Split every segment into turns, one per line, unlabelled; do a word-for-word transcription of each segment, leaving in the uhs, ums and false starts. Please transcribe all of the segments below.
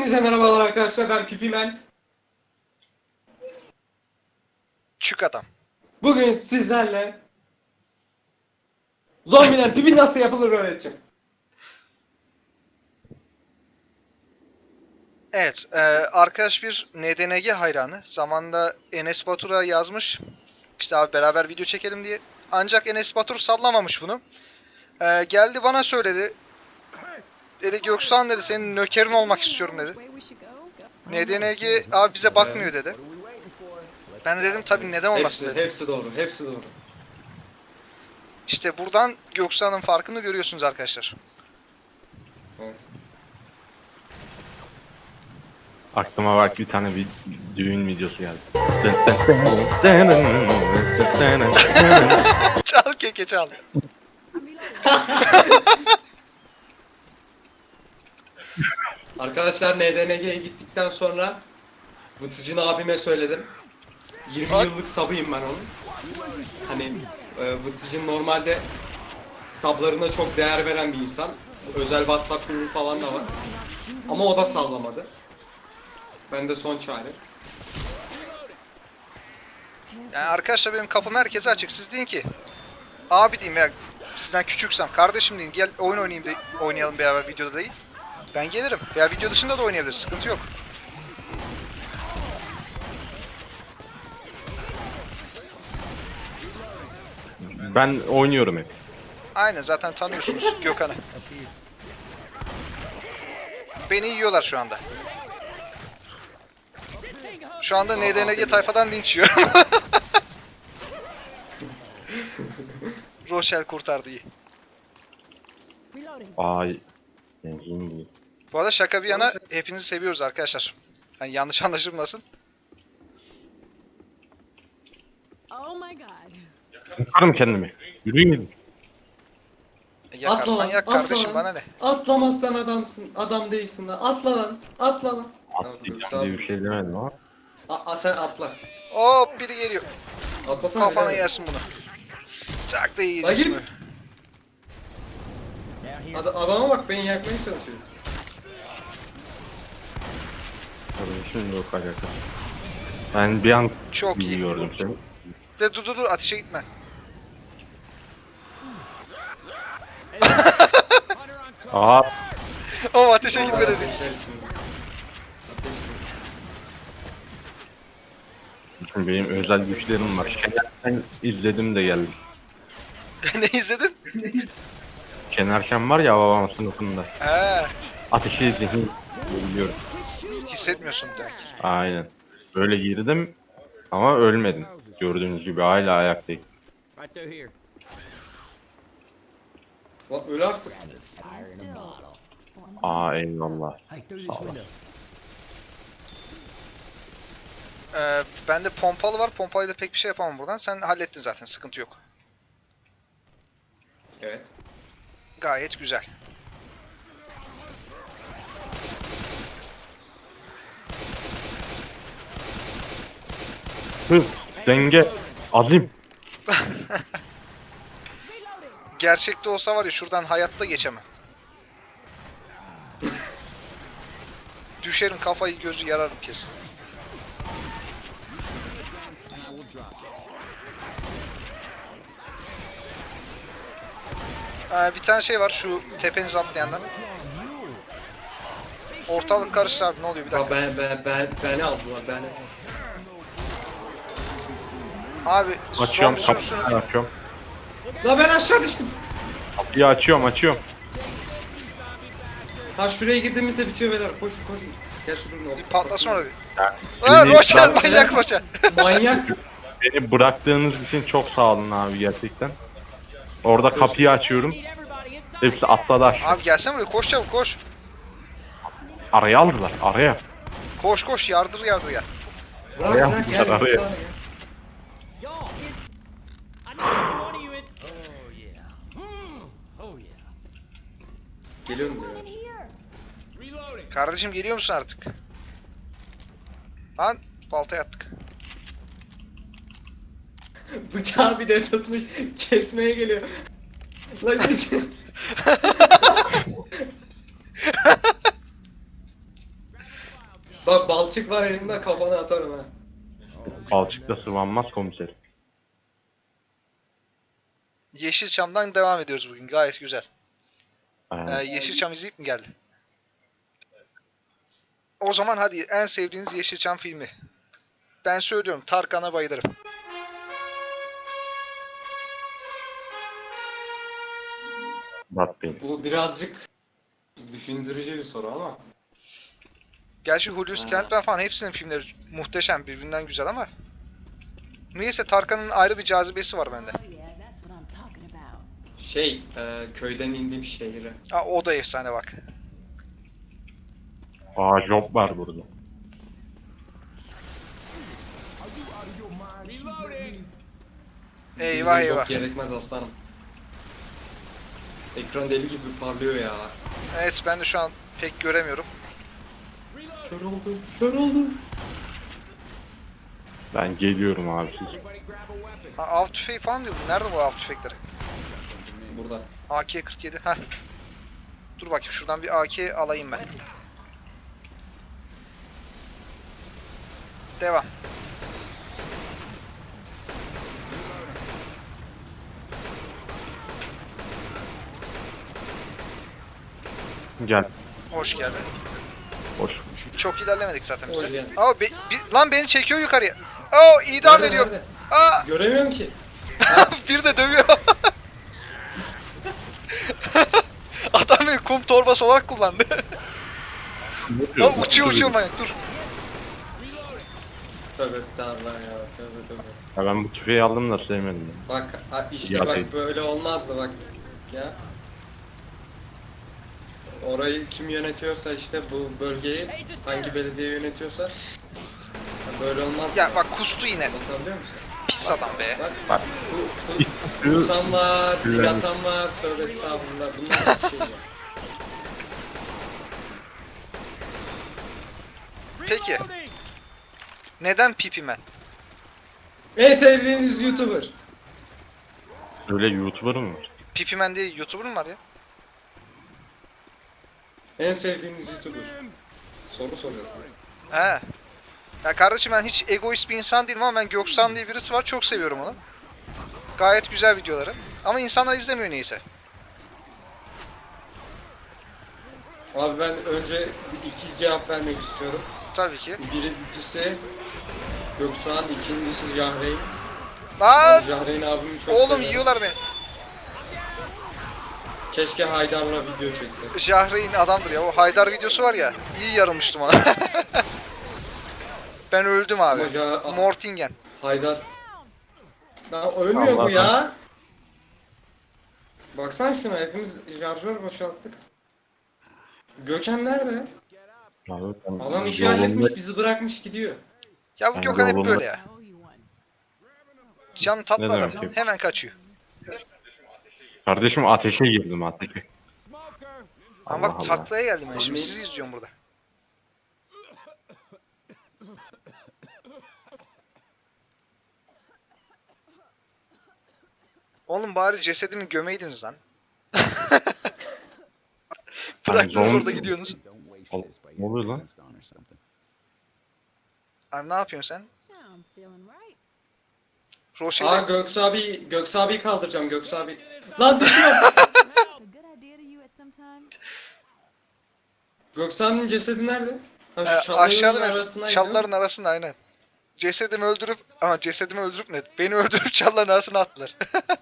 Hepinize merhabalar arkadaşlar, ben Pipimen.
Çık adam.
Bugün sizlerle zombiden pipi nasıl yapılır öğreteceğim.
Evet, e, arkadaş bir N D N G hayranı. Zamanında Enes Batur'a yazmış. İşte abi beraber video çekelim diye. Ancak Enes Batur sallamamış bunu. E, geldi bana söyledi. Dedi Göksan dedi senin nökerin olmak istiyorum dedi. N D N G abi bize bakmıyor dedi. Ben de dedim tabii neden olmasın
Hepsi,
dedim.
hepsi doğru, hepsi doğru.
İşte buradan Göksan'ın farkını görüyorsunuz arkadaşlar.
Evet.
Aklıma bak bir tane bir düğün videosu geldi.
Çal keke çal.
Arkadaşlar N D N G'ye gittikten sonra Vıtıcın abime söyledim. yirmi
Bak.
yıllık sabıyım ben onun. Hani e, Vıtıcın normalde sablarına çok değer veren bir insan. Özel WhatsApp grubu falan da var. Ama o da sallamadı. Ben de son çare.
Yani arkadaşlar benim kapım herkese açık. Siz deyin ki abi diyeyim ya sizden küçüksem kardeşim deyin gel oyun oynayayım de, oynayalım beraber videoda değil. Ben gelirim. Veya video dışında da oynayabiliriz. Sıkıntı yok.
Ben oynuyorum hep.
Aynen zaten tanıyorsunuz Gökhan'ı. Beni yiyorlar şu anda. Şu anda N D N G tayfadan linç yiyor. Rochelle kurtardı iyi.
Ay. Benzin değil.
Bu arada şaka bir yana hepinizi seviyoruz arkadaşlar. Yani yanlış anlaşılmasın.
Oh my god.
Yakarım kendimi. Yürüyün gidin.
E, Yakarsan
Atla lan,
yak
atla
kardeşim
lan.
bana ne?
Atlamazsan adamsın, adam değilsin lan. Atla lan, atla lan.
Atlayacağım diye bir şey demedim ama.
A, a, sen atla.
Hop biri geliyor.
Atlasana.
Kafana
birader.
yersin bunu. Çak da
Lan
yiyeceğiz
git.
mi?
Ad, adama bak, beni yakmaya çalışıyor.
Tabii şimdi yok alaka. Ben bir an
Çok iyi.
gördüm seni.
De dur dur dur ateşe gitme.
Aha.
O ateşe gitme dedi.
Ateşlersin. Ateşli.
Şimdi benim özel güçlerim var. Şener izledim de geldim.
Ne izledin?
Şener Şen var ya babam sınıfında.
He,
Ateşi zihin biliyorum.
hissetmiyorsun demek.
Aynen. Böyle girdim ama ölmedim. Gördüğünüz gibi hala ayaktayım.
Right through here.
Lan öl artık.
Aa eyvallah.
Hey, through this window.
Ee, bende pompalı var. Pompalıyla pek bir şey yapamam buradan. Sen hallettin zaten. Sıkıntı yok.
Evet.
Gayet güzel.
Hız, denge, azim.
Gerçekte olsa var ya şuradan hayatta geçemem. Düşerim kafayı gözü yararım kesin. Ee, bir tane şey var şu tepenize atlayanlar. Ortalık karıştı abi ne oluyor bir
Bak
dakika.
ben ben ben beni aldılar beni.
Abi
Açıyorum
son
kapıyı
sürüsünü
açıyorum.
La ben aşağı düştüm.
Kapıyı açıyorum açıyorum.
Ha şuraya girdiğimizde bitiyor beyler. Koşun koşun. Gel şuradan
bir
ol.
patlasın orada.
Yani
Aa
beni,
Rochelle
bırak-
manyak Rochelle.
Manyak.
beni bıraktığınız için çok sağ olun abi gerçekten. Orada kapıyı açıyorum. Hepsi atladı aşağı.
Abi gelsene buraya koş çabuk koş.
Araya aldılar araya.
Koş koş yardır yardır ya.
Bırak
Araya
bırak gel.
aldılar, araya.
sana gel.
Oh yeah.
Geliyorum diyor.
Kardeşim geliyor musun artık? Lan baltaya attık.
Bıçağı bir de tutmuş kesmeye geliyor. Lan git. Bak balçık var elimde, kafana atarım ha.
Balçıkta sıvanmaz komiserim.
Yeşilçam'dan devam ediyoruz bugün. Gayet güzel. Ee,
Aynen.
Yeşilçam izleyip mi geldi? O zaman hadi en sevdiğiniz Yeşilçam filmi. Ben söylüyorum, Tarkan'a bayılırım.
Murat Bey.
Bu birazcık düşündürücü bir soru ama.
Gerçi Hulusi Kentmen falan hepsinin filmleri muhteşem, birbirinden güzel ama niyeyse Tarkan'ın ayrı bir cazibesi var bende.
Oh yeah, that's what I'm talking about.
Şey, e, köyden indim şehire.
Aa, o da efsane bak.
Aa job var burada.
Eyvah
Bizim
eyvah.
çok gerekmez aslanım. Ekran deli gibi parlıyor ya.
Evet, ben de şu an pek göremiyorum.
Kör oldum, kör oldum.
Ben geliyorum abi siz.
Ha, av tüfeği falan diyordum. Nerede bu av tüfekleri?
Burada.
A K kırk yedi. Heh. Dur bakayım, şuradan bir A K alayım ben. Devam.
Gel.
Hoş geldin.
Hoş.
Çok ilerlemedik zaten
Hoş
biz.
geldin.
Aa, be- bi- lan beni çekiyor yukarıya. Aa, idam
Nerede,
ediyor.
nerede?
Aa,
Göremiyorum ki.
bir de dövüyor. Adam beni kum torbası olarak kullandı. Aa, uçuyor uçuyor manyak, dur.
Tövbe estağfurullah ya, tövbe tövbe.
Ya ben bu tüfeği aldım da sevmedim. ya.
Bak a- işte
Ya
bak
değil.
böyle olmazdı bak. Ya. Orayı kim yönetiyorsa işte bu bölgeyi hangi belediye yönetiyorsa ya böyle olmaz.
Ya bak, kustu yine.
Anlatabiliyor musun?
Pis adam be.
Bak
Bak.
bu, bu kusan var, dil atan var, tövbe estağfurullah. Bu nasıl bir şey ya?
Peki. Neden Pipi Man?
En sevdiğiniz YouTuber.
Öyle YouTuber mı var?
Pipi Man diye YouTuber mı var ya?
En sevdiğiniz YouTuber. Soru soruyorum.
He. Ya kardeşim, ben hiç egoist bir insan değilim ama ben Göksan diye birisi var, çok seviyorum onu. Gayet güzel videoları. Ama insanlar izlemiyor neyse.
Abi ben önce iki cevap vermek istiyorum.
Tabii ki.
Birincisi Göksuhan, ikincisi Jahreyn.
Lan!
Jahreyn abimi çok
Oğlum
seviyorum.
yiyorlar beni.
Keşke Haydar'la video çekse.
Jahreyn adamdır ya. O Haydar videosu var ya. İyi yarılmıştım ona. Ben öldüm abi.
Ama Ja-
Mortingen.
Haydar. Lan ölmüyor bu
Allah
ya. Baksana şuna, hepimiz şarjör boşalttık. Gökhan nerede?
Abi, ben
Adam işi
yolunda-
halletmiş, bizi bırakmış gidiyor.
Ya bu
Ben
Gökhan hep
yolunda-
böyle ya.
I owe you one.
Can tatlı
Ne
adam.
demek ki?
Hemen kaçıyor.
Kardeşim ateşe girdim ateşe.
Ama
Allah
bak,
Allah.
taklaya geldim ben. Şimdi
Abi-
sizi izliyorum burada. Oğlum bari cesedimi gömeydiniz lan. Bıraktınız
zombi-
orada gidiyorsunuz.
Al- Ne oluyor lan?
Abi ne yapıyorsun sen?
Yeah, I'm feeling right.
Aa
Roşe'yle
Göksu abi, Göksu abiyi kaldıracağım, Göksu abi. Lan düşüyorum.
A good idea to you at some time?
Göksu abinin cesedi nerede? Ha,
e,
şu çalıların
aşağıda
arasındaydı.
çalıların arasında aynen. Cesedimi öldürüp ama cesedimi öldürüp ne? Beni öldürüp çalıların arasına attılar.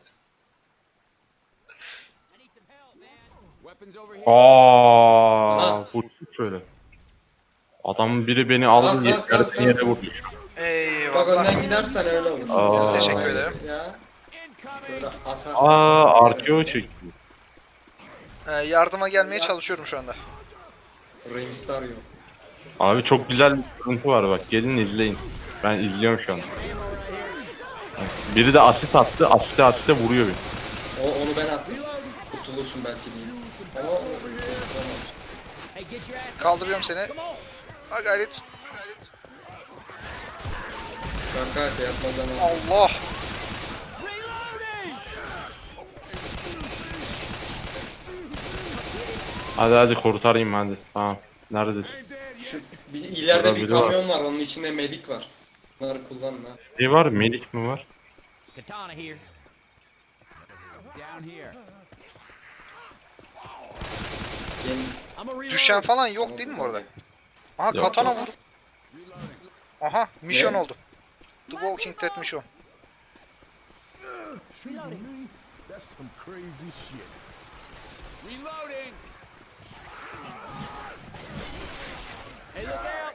Weapons over here.
Aa,
Ha.
bu şöyle. Adam biri beni
Kalk,
aldı
kalk, kalk,
yarısını yere
kalk.
vurdu.
Bak
Eyvallah.
önden gidersen öyle olur.
Aa.
Teşekkür
hayır
ederim.
Ya. Şöyle atarsın.
Aa, arkeo çekiyor.
Ee, yardıma gelmeye çalışıyorum şu anda.
Rey Mysterio.
Abi çok güzel bir sıkıntı var bak, gelin izleyin. Ben izliyorum şu an. Biri de asit attı, asite asite vuruyor beni.
O, onu ben attım. Kurtulursun belki değil. Ama o- kurtulamamış.
Hey, get your ass.
Kaldırıyorum seni. Ha gayret. Ha gayret.
Kanka yapma zamanı.
Allah.
Hadi hadi kurtarayım hadi. Tamam. Neredesin?
Şu bir ileride
Burada
bir
biri var.
kamyon var. Onun içinde melik var. Bunları kullanın ha.
Ne var? Melik mi var?
Katana here. Down here.
Gel.
I'm a reload.
Düşen falan yok değil mi orada? Aha
Yok.
katana vur. Aha mission
Ne?
oldu. The Walking Dead mission.
That's some crazy shit.
Reloading. Hey, look out.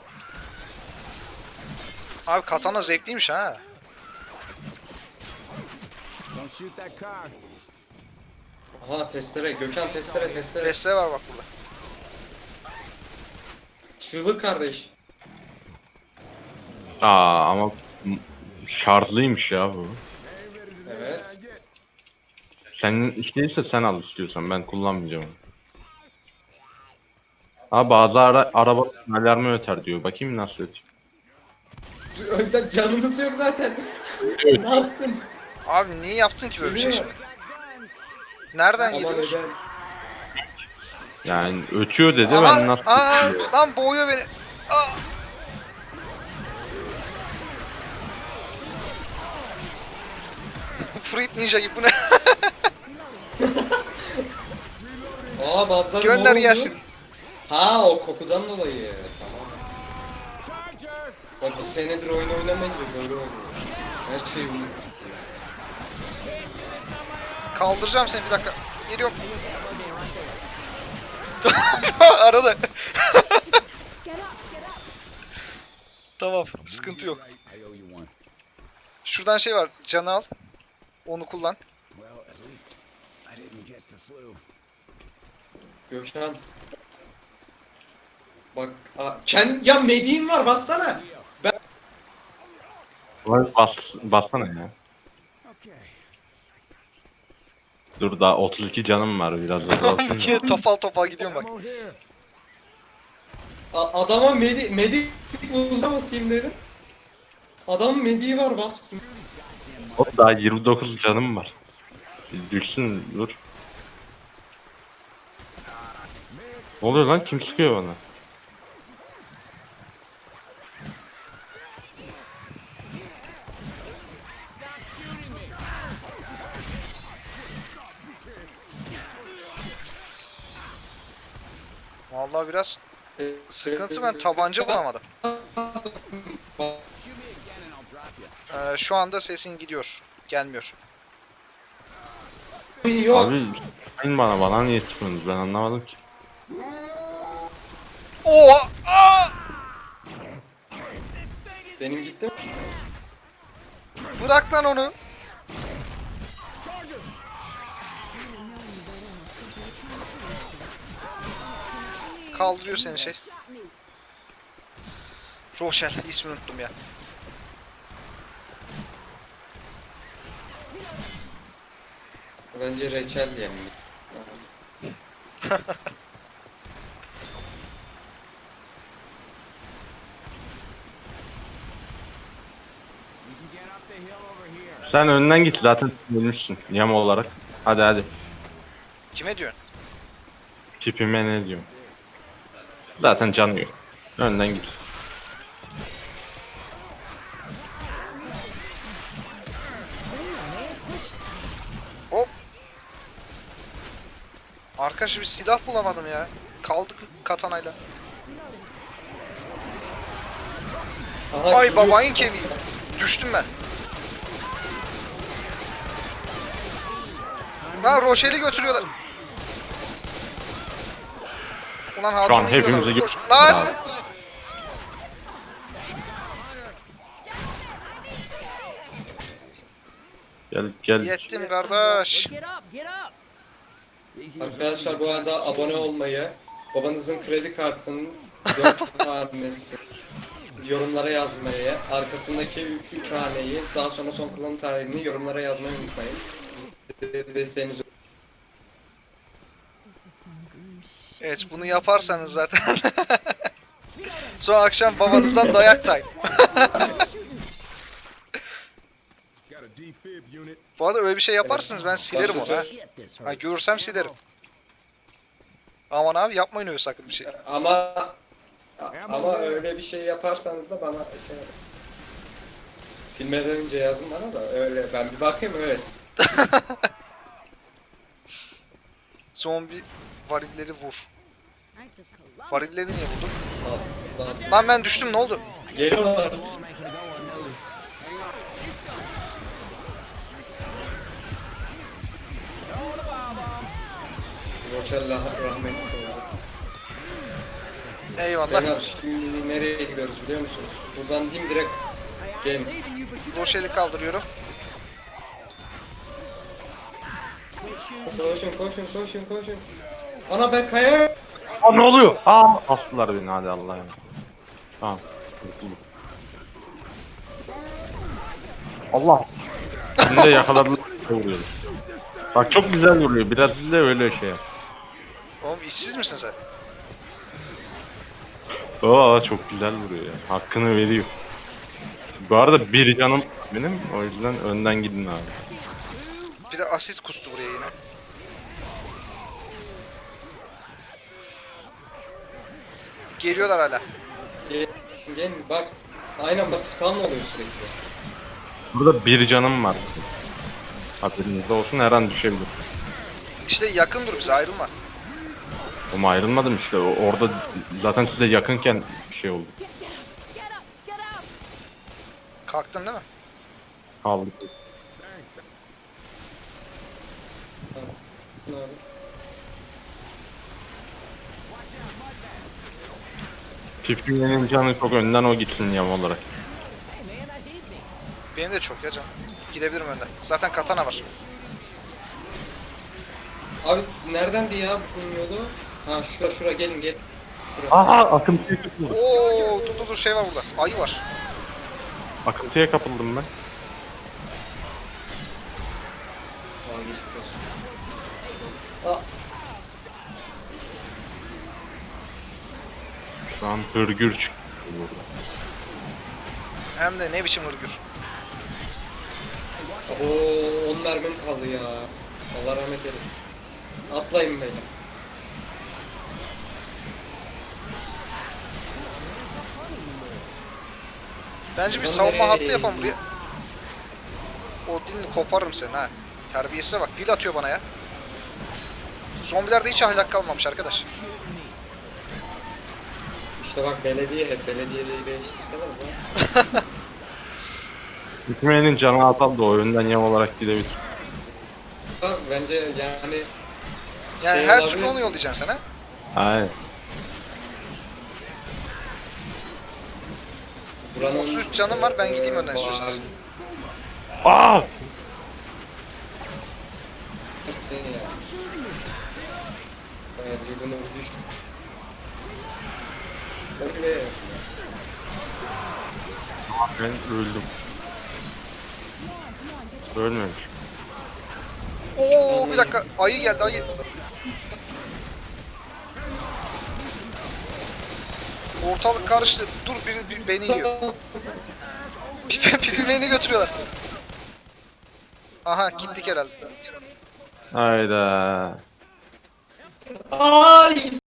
Abi katana zevkliymiş ha.
Don't shoot that car.
Aha testere. Gökhan testere testere.
Testere var bak burada.
Çığlık kardeş.
Aa ama m- şarjlıymış ya bu.
Evet.
Senin işteyse sen al istiyorsan, ben kullanmayacağım onu. Ha bazı ara araba alarmı öter diyor. Bakayım nasıl ötüyor.
Önden canımız yok zaten. Ne yaptın?
Abi niye yaptın ki böyle bir şey
Geliyor.
şimdi? Nereden
Ama
gidiyor?
neden?
Yani ötüyor dedi,
Aha,
ben nasıl
aa,
ötüyor?
lan boğuyor beni. Aa. Fruit Ninja gibi bu ne?
Aa bazıları
Gönder
mor oldu.
gelsin.
Ha o kokudan dolayı. Tamam.
Charger.
Bak bir senedir oyun oynamayınca böyle oluyor. Her şeyi unutmuşum.
Kaldıracağım seni bir dakika. Geliyorum. Arada.
Get up, get up.
Tamam, sıkıntı yok.
I owe you one.
Şuradan şey var, canı al. Onu kullan.
Well, at least I didn't catch the flu.
Gökhan. Bak, aa, kend ya mediğin var bassana.
Bas, bassana ya.
Okay.
Dur daha otuz iki canım var, biraz da olsun.
Ki topal topal gidiyorum bak.
Ammo here.
A- adama medi medik bulda basayım dedim. Adamın mediği var bas.
O daha yirmi dokuz canım var. Düşsün dur. Ne oluyor lan, kim sıkıyor bana?
Vallahi biraz sıkıntı, ben tabanca bulamadım. Ee, şu anda sesin gidiyor. Gelmiyor.
Yok.
Abi sayın bana, bana niye sıkıyorsunuz, ben anlamadım ki.
Oo! Aa!
Benim gitti mi?
Bırak lan onu. Kaldırıyor seni şey. Rochelle, ismini unuttum ya.
Bence reçel diyelim. Evet.
You can get up the hill over here.
Sen önden git, zaten ölmüşsün yama olarak. Hadi hadi.
Kime diyorsun?
Tipime ne diyorum. Zaten canı yok. Önden git.
Hop. Arkadaş bir silah bulamadım ya. Kaldık katanayla.
Aha,
Ay
gidiyor.
babayın kemiği. Düştüm ben. Lan Rochelle'i götürüyorlar. Ulan
Şu an
hatunu
hepimizi
yiyorlar.
gö-
Koş. Lan!
Gel gel.
Yettim kardeş.
Get up, get up. Easy.
Arkadaşlar bu arada abone olmayı, babanızın kredi kartının dört hanesi yorumlara yazmayı, arkasındaki üç haneyi, daha sonra son kullanım tarihini yorumlara yazmayı unutmayın. Bize desteğinizi
This is some grim shit.
Evet bunu yaparsanız zaten. Sonra akşam babanızdan dayak tay.
Got a defib unit.
Bu arada öyle bir şey yaparsınız ben silerim onu ha.
Shit, this
Ha
hurts.
görürsem silerim. Aman abi yapmayın öyle sakın bir şey.
ama
Ammo
Ama
there.
öyle bir şey yaparsanız da bana şey yapın. Silmeden önce yazın bana da öyle ben bir bakayım öyle.
Zombi varilleri vur.
Knights of Columbus.
Varilleri niye vurdun?
Lan, lan.
Lan ben düştüm, ne oldu?
Geliyorlar.
Won't make him go unnoticed. Hang on. Throw the bomb bomb.
Roçella rahmetli olacak.
Eyvallah.
Beyler şimdi nereye gidiyoruz biliyor musunuz? Buradan dim direkt gelin.
Roşeli kaldırıyorum.
Koşun koşun koşun koşun. Ana ben kaya.
Aa ne oluyor? Aa astılar beni hadi Allah'ım. Tamam. kurtulduk. Allah. Şimdi de yakaladılar. Vuruyoruz. Bak çok güzel vuruyor. Biraz de öyle şey yap.
Oğlum işsiz misin sen?
Aa çok güzel vuruyor ya. Hakkını veriyor. Bu arada bir canım benim. O yüzden önden gidin abi.
Bir de asit kustu buraya yine. Geliyorlar hala.
Gel, gel bak. Aynen bak spawn oluyor sürekli.
Burada bir canım var. Hatırınızda olsun her an düşebilir.
İşte yakın dur bize, ayrılma.
Ama ayrılmadım işte. O- Orada zaten size yakınken bir şey oldu.
Get, get, get up, get up.
Kalktın değil mi?
Kaldık.
Ne oldu?
Çiftliğinin canı çok önden o gitsin yam olarak.
Benim de çok ya canım. Gidebilirim önden. Zaten katana var.
Abi neredendi ya bu yolu? Ha şura şura gelin gel. Şura.
Aha akıntıya kapıldım.
Oo, dur dur dur, şey var burada. Ayı var.
Akıntıya kapıldım ben.
Aa geçmiş olsun. Aa,
Şu an hırgür çıktı burada.
Hem de ne biçim hırgür.
Oo on mermim kaldı ya. Allah rahmet eylesin. Atlayın beyler.
Bence bir
Lan
savunma
nereye?
hattı yapalım buraya. O dilini koparırım senin ha. Terbiyesize bak, dil atıyor bana ya. Zombilerde hiç ahlak kalmamış arkadaş.
İşte bak belediye hep belediyeliği değiştirsene bu.
Hükümenin canı atal da o önden yam olarak gidebilir.
Ha, bence yani
Yani
şey
her
olabilir.
türlü onu yollayacaksın sen ha.
Aynen.
Buranın,
otuz üç canım var, ben gideyim önden
eee,
istiyorsanız.
Aa!
Seni ya. Evet, vücudunu düş. Öyle.
Ben öldüm. Ölmemiş.
Oo, bir dakika, ayı geldi, ayı. Ortalık karıştı. Dur, biri, biri beni yiyor. Pipi, pipi beni götürüyorlar. Aha, gittik herhalde.
Hayda.
Ay!